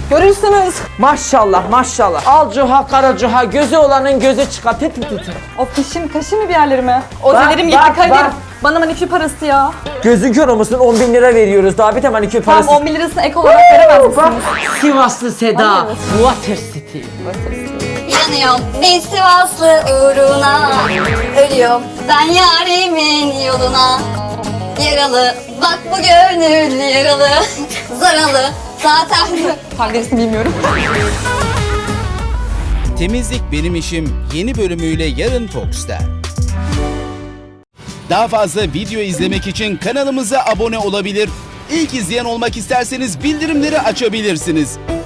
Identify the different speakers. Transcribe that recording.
Speaker 1: Görürsünüz.
Speaker 2: Maşallah maşallah. Al cuha kara cuha, gözü olanın gözü çıkar. Tit tit tit.
Speaker 1: Of dişim kaşı mı bir yerlerime? Ozelerim gitti
Speaker 2: bak,
Speaker 1: Kadir.
Speaker 2: bak.
Speaker 1: Bana manikür parası ya.
Speaker 2: Gözün kör olmasın, 10.000 lira veriyoruz. Daha bir de manikür
Speaker 1: Tam
Speaker 2: parası.
Speaker 1: 10 bin lirasını ek olarak veremez
Speaker 2: Bak,
Speaker 1: misiniz?
Speaker 2: Sivaslı Seda.
Speaker 1: Hayır.
Speaker 2: Water City.
Speaker 3: Yanıyorum bir Sivaslı uğruna, ölüyorum ben yarimin yoluna. Yaralı bak bu gönül yaralı, zaralı zaten.
Speaker 1: Tam gerisini bilmiyorum.
Speaker 4: Temizlik Benim İşim yeni bölümüyle yarın Fox'ta. Daha fazla video izlemek için kanalımıza abone olabilir. İlk izleyen olmak isterseniz bildirimleri açabilirsiniz.